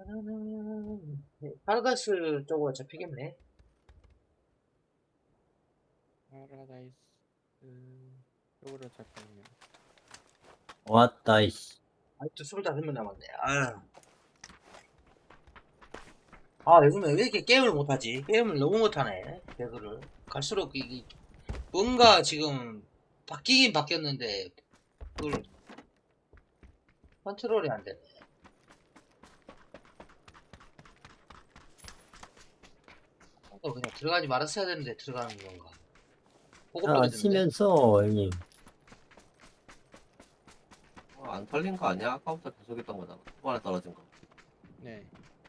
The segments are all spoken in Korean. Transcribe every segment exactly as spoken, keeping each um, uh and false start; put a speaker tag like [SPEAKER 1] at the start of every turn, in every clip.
[SPEAKER 1] 음, 네, 파라다이스 쪽으로 잡히겠네.
[SPEAKER 2] 파라다이스 쪽으로 잡혔네요.
[SPEAKER 3] 왔다, 이씨.
[SPEAKER 1] 아직도 스물다섯 명 남았네. 아유. 아, 요즘에 왜 이렇게 게임을 못하지? 게임을 너무 못하네. 배그를. 갈수록 이, 이 뭔가 지금 바뀌긴 바뀌었는데, 그걸 컨트롤이 안 되네. 또 그냥 들어가지 말았어야 되는데 들어가는 건가. 보고
[SPEAKER 3] 자,
[SPEAKER 1] 보게 되는데.
[SPEAKER 3] 치면서, 형님.
[SPEAKER 4] 어, 안 털린 거 아니야? 아까부터 계속 했던 거잖아. 초반에 떨어진 거.
[SPEAKER 2] 네.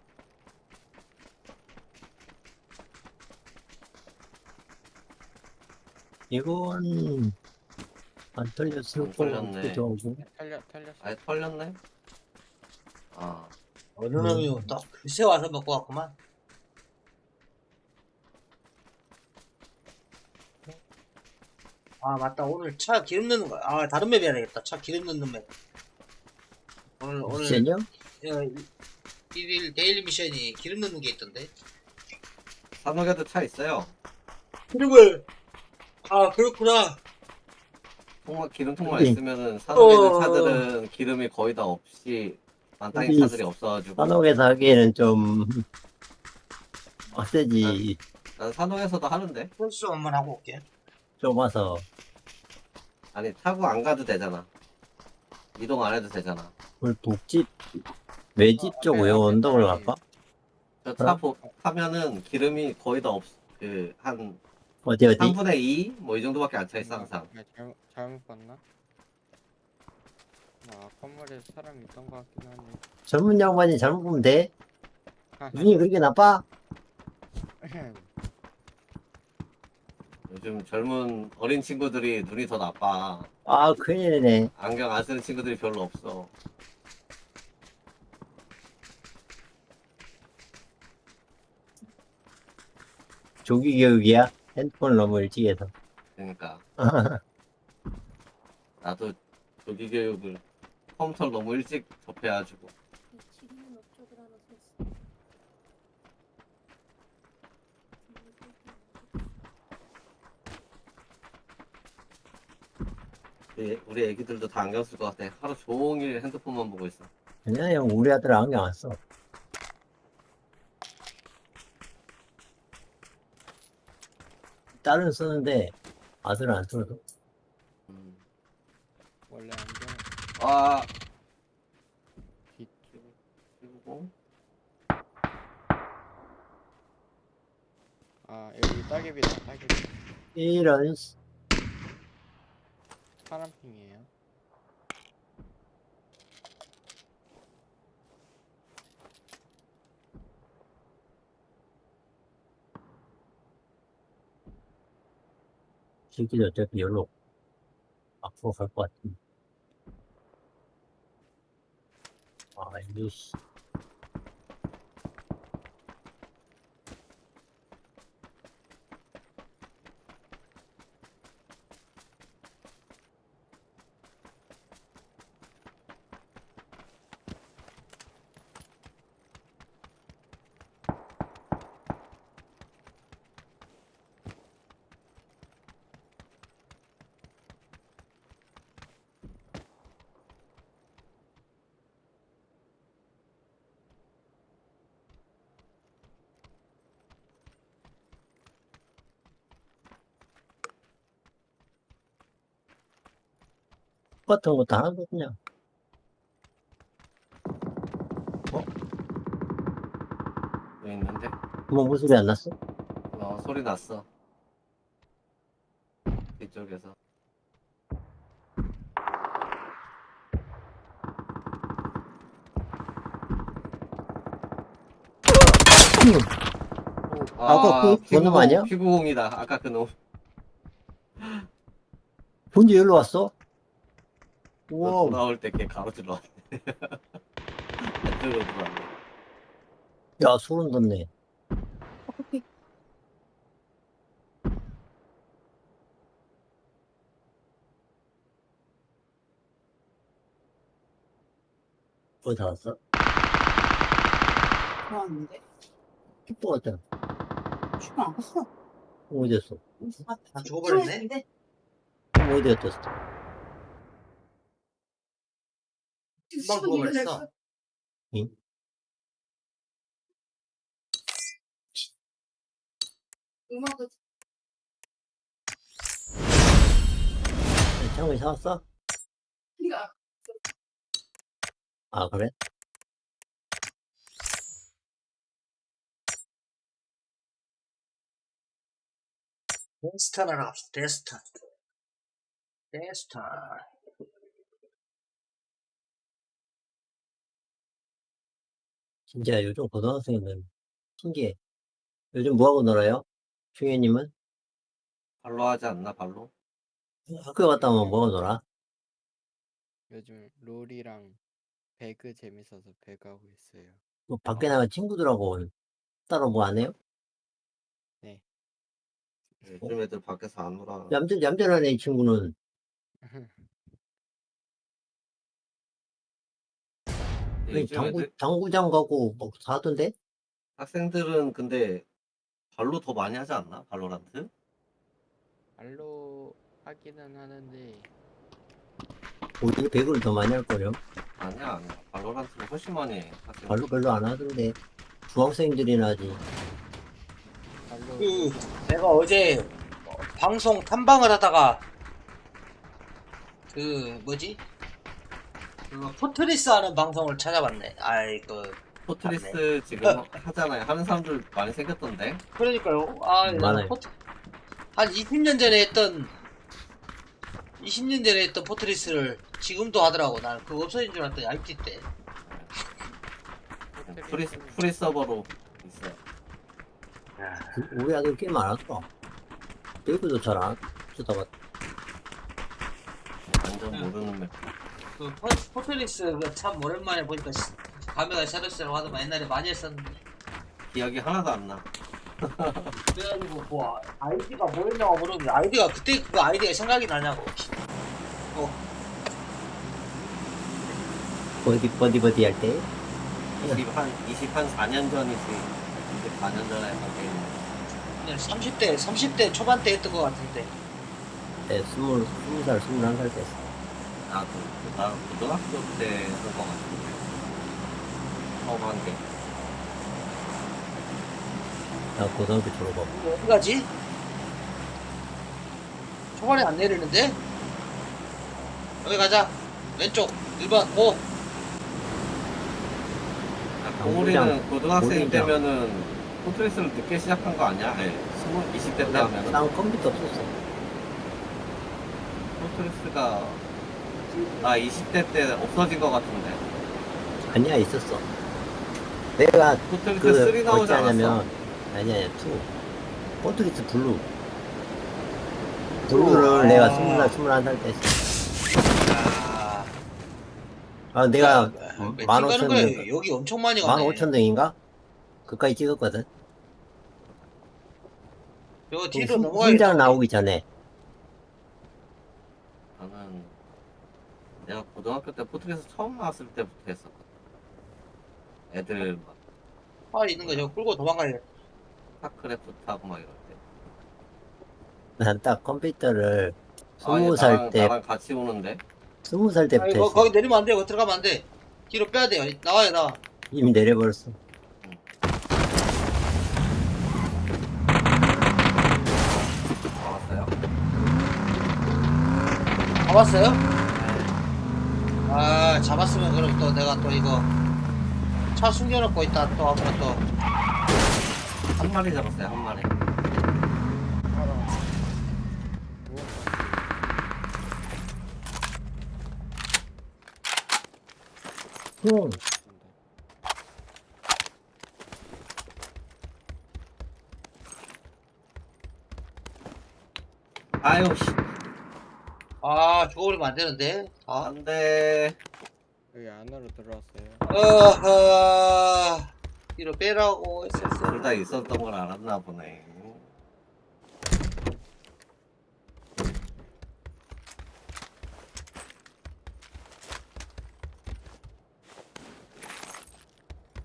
[SPEAKER 3] 이건, 안 털렸을
[SPEAKER 4] 안
[SPEAKER 3] 것
[SPEAKER 4] 털렸네.
[SPEAKER 3] 같기도 하고.
[SPEAKER 2] 털려 털렸어.
[SPEAKER 4] 아예 털렸네? 아,
[SPEAKER 1] 어느
[SPEAKER 3] 네.
[SPEAKER 1] 놈이 또 글쎄 와서 먹고 왔구만. 아, 맞다. 오늘 차 기름 넣는 거. 아, 다른 맵 해야 되겠다. 차 기름 넣는 맵. 오늘, 오늘,
[SPEAKER 3] 미션이요?
[SPEAKER 1] 어, 일일 데일리 미션이 기름 넣는 게 있던데.
[SPEAKER 4] 산호에도 차 있어요.
[SPEAKER 1] 기름을, 아, 그렇구나.
[SPEAKER 4] 통만, 기름 통만
[SPEAKER 3] 여기.
[SPEAKER 4] 있으면은 산호에 있는
[SPEAKER 1] 어.
[SPEAKER 4] 차들은 기름이 거의 다 없이 만땅인
[SPEAKER 3] 여기
[SPEAKER 4] 차들이 없어가지고.
[SPEAKER 3] 산옥에서 하기에는 좀, 빡세지.
[SPEAKER 4] 난 산호에서도 하는데.
[SPEAKER 1] 홀수 한번 하고 올게.
[SPEAKER 3] 좀 와서.
[SPEAKER 4] 아니, 타고 안 가도 되잖아. 이동 안 해도 되잖아.
[SPEAKER 3] 그 북집, 외집 쪽
[SPEAKER 2] 앞에,
[SPEAKER 3] 왜
[SPEAKER 2] 앞에
[SPEAKER 3] 언덕을
[SPEAKER 2] 사람이.
[SPEAKER 3] 갈까?
[SPEAKER 4] 저 차 타면은 기름이 거의 다 없, 그, 한
[SPEAKER 3] 어디, 어디?
[SPEAKER 4] 삼분의 이? 뭐 이 정도밖에 안 차 있어, 항상.
[SPEAKER 2] 아, 잘못 잘못 봤나? 아, 건물에 사람이 있던 것 같긴 하네.
[SPEAKER 3] 젊은 양반이 잘못 보면 돼? 눈이 그렇게 나빠?
[SPEAKER 4] 요즘 젊은 어린 친구들이 눈이 더 나빠.
[SPEAKER 3] 아, 큰일이네.
[SPEAKER 4] 안경 안 쓰는 친구들이 별로 없어.
[SPEAKER 3] 조기 교육이야? 핸드폰 너무 일찍 해서.
[SPEAKER 4] 그러니까 나도 조기 교육을 컴퓨터를 너무 일찍 접해가지고.
[SPEAKER 5] 지리는 업적을 하나 샀어.
[SPEAKER 4] 우리, 우리 애기들도 다 안경 쓸 것 같아. 하루 종일 핸드폰만 보고 있어.
[SPEAKER 3] 아니야, 형, 우리 아들 안경 안 써. 딸은 쓰는데, 아들은 안 써서.
[SPEAKER 4] 음.
[SPEAKER 2] 원래 안경
[SPEAKER 4] 아,
[SPEAKER 2] 빛.
[SPEAKER 4] 그리고
[SPEAKER 2] 아, 여기 따개비다. 따개비.
[SPEAKER 3] 이런, 씨.
[SPEAKER 2] 파란핑이에요.
[SPEAKER 3] 새끼들 어차피 열로 앞으로 갈 것 같은데. 아, 이거, 씨. 똑같은 거 다 하거든요.
[SPEAKER 4] 여기 있는데.
[SPEAKER 3] 뭐, 무슨 소리 안 났어?
[SPEAKER 4] 어, 소리 났어. 이쪽에서.
[SPEAKER 3] 아까 그- 그 놈 아니야?
[SPEAKER 4] 피구공이다. 아까 그 놈.
[SPEAKER 3] 본지 열로 왔어?
[SPEAKER 4] 너
[SPEAKER 3] 우와,
[SPEAKER 4] 돌아올 때 걔 가로질러 왔네. 안쪽으로 들어왔네.
[SPEAKER 3] 야, 소름 돋네. 어디 다 왔어?
[SPEAKER 5] 좋았는데.
[SPEAKER 3] 킥보 같잖아.
[SPEAKER 5] 죽어 안 갔어.
[SPEAKER 3] 어디 갔어?
[SPEAKER 1] 아, 죽어버렸네?
[SPEAKER 3] 어디 갔어?
[SPEAKER 1] 금방 죽어버렸어.
[SPEAKER 3] 응?
[SPEAKER 5] 음악을
[SPEAKER 3] 창문이 사왔어?
[SPEAKER 5] 네가
[SPEAKER 3] 아, 그래?
[SPEAKER 1] 데스타나 갑시다. 데스타. 데스타.
[SPEAKER 3] 진짜 요즘 고등학생은 신기해. 요즘 뭐하고 놀아요? 충현님은?
[SPEAKER 4] 발로 하지 않나, 발로?
[SPEAKER 3] 학교 갔다 오면 뭐하고 놀아?
[SPEAKER 2] 요즘 롤이랑 배그 재밌어서 배그 하고 있어요.
[SPEAKER 3] 뭐 밖에 나가 친구들하고 따로 뭐 안 해요?
[SPEAKER 2] 네.
[SPEAKER 4] 요즘 애들 밖에서 안 놀아.
[SPEAKER 3] 얌전, 얌전한 애 친구는 아니,
[SPEAKER 4] 요즘
[SPEAKER 3] 당구,
[SPEAKER 4] 애들,
[SPEAKER 3] 당구장 가고 뭐 사던데?
[SPEAKER 4] 학생들은 근데 발로 더 많이 하지 않나? 발로란트?
[SPEAKER 2] 말로 하기는 하는데
[SPEAKER 3] 오히려 배구를 더 많이 할걸요?
[SPEAKER 4] 아니야, 아니야. 발로란트는 훨씬 많이 해. 학생들.
[SPEAKER 3] 별로 별로 안 하던데. 중학생들이나 하지.
[SPEAKER 2] 말로
[SPEAKER 1] 그, 내가 어제 어, 방송 탐방을 하다가, 그, 뭐지? 그, 포트리스 하는 방송을 찾아봤네. 아이, 그,
[SPEAKER 4] 포트리스 지금 하잖아요. 하는 사람들 많이 생겼던데.
[SPEAKER 1] 그러니까요. 아, 내가
[SPEAKER 3] 많아요.
[SPEAKER 1] 포트, 한 이십 년 전에 했던, 이십 년 전에 했던 포트리스를 지금도 하더라고. 난 그거 없어진 줄 알았더니 아이티 때.
[SPEAKER 4] 프리, 프리 서버로 있어요.
[SPEAKER 3] 우리 아들 꽤 많았어. 배구도 잘 안 쓰다가
[SPEAKER 4] 완전
[SPEAKER 1] 응.
[SPEAKER 4] 모르는 맵.
[SPEAKER 1] 그 포, 포트리스 그 참 오랜만에 보니까 시- 감회가 새록새록 하더만 옛날에 많이 했었는데.
[SPEAKER 4] 기억이 하나도 안 나.
[SPEAKER 1] 그래가지고 뭐 아이디가 뭐였냐고 물었는데 아이디가 그때 그 아이디가 생각이 나냐고. 어,
[SPEAKER 3] 버디 버디 버디 할 때.
[SPEAKER 4] 이십 한, 이십 한 사 년 전이지. 이십사 년 전에 한게
[SPEAKER 1] 그냥 삼십 대 삼십 대 초반 때 했던 것 같은데.
[SPEAKER 3] 네, 스물 스무 살 스물한 살 때.
[SPEAKER 4] 나도, 나 고등학교 때 한 거 같은데. 처음 한 게.
[SPEAKER 3] 나 고등학교 졸업하고.
[SPEAKER 1] 이거 어디 가지? 초반에 안 내리는데? 여기 가자. 왼쪽 일 번 고.
[SPEAKER 4] 동우리는 고등학생
[SPEAKER 3] 고리장.
[SPEAKER 4] 때면은 포트리스를 늦게 시작한 거 아니야? 네. 스무, 이십 대 때 하면은.
[SPEAKER 3] 난 컴퓨터 없었어.
[SPEAKER 4] 포트리스가 나 이십 대 때 없어진 거 같은데.
[SPEAKER 3] 아니야, 있었어. 내가
[SPEAKER 4] 포트리스
[SPEAKER 3] 그
[SPEAKER 4] 삼 나오지
[SPEAKER 3] 어찌
[SPEAKER 4] 않았어?
[SPEAKER 3] 하냐면 아니야, 아니야, 투. 포트리스 블루. 블루를
[SPEAKER 1] 아.
[SPEAKER 3] 내가 스무 살 스물한 살 때 했어.
[SPEAKER 1] 아,
[SPEAKER 3] 아, 내가
[SPEAKER 1] 몇팀
[SPEAKER 3] 만
[SPEAKER 1] 가는
[SPEAKER 3] 오천
[SPEAKER 1] 거야?
[SPEAKER 3] 등,
[SPEAKER 1] 여기 엄청 많이
[SPEAKER 3] 만
[SPEAKER 1] 가네.
[SPEAKER 3] 오천 등인가? 그까지 찍었거든.
[SPEAKER 1] 저
[SPEAKER 3] 그
[SPEAKER 1] 뒤로
[SPEAKER 3] 훈-
[SPEAKER 1] 넘어가야겠다.
[SPEAKER 3] 훈장
[SPEAKER 1] 우리.
[SPEAKER 3] 나오기 전에.
[SPEAKER 4] 나는 내가 고등학교 때 포트리스 처음 나왔을 때부터 했었거든. 애들 막
[SPEAKER 1] 아, 있는 거 저거 끌고 도망가야겠다.
[SPEAKER 4] 스타크래프트 하고 막 이럴 때.
[SPEAKER 3] 난 딱 컴퓨터를
[SPEAKER 4] 아, 얘
[SPEAKER 3] 스무 살
[SPEAKER 4] 나랑,
[SPEAKER 3] 때,
[SPEAKER 4] 나랑 같이 오는데.
[SPEAKER 3] 스무 살
[SPEAKER 1] 아,
[SPEAKER 3] 때부터
[SPEAKER 1] 이거
[SPEAKER 3] 했어.
[SPEAKER 1] 거기 내리면 안 돼. 거기 들어가면 안 돼. 뒤로 빼야 돼요. 나와요, 나와.
[SPEAKER 3] 이미 내려버렸어.
[SPEAKER 4] 나왔어요.
[SPEAKER 1] 잡았어요? 아, 잡았으면 그럼 또 내가 또 이거 차 숨겨놓고 있다 또 하면 또.
[SPEAKER 4] 한 마리 잡았어요, 한 마리.
[SPEAKER 3] 응.
[SPEAKER 4] 아유, 씨.
[SPEAKER 1] 아, 죽어버리면 안 되는데. 아,
[SPEAKER 4] 안 돼.
[SPEAKER 2] 여기 안으로 들어왔어요.
[SPEAKER 1] 어허. 뒤로 빼라고 했었어.
[SPEAKER 4] 둘 다 있었던 걸 알았나 보네.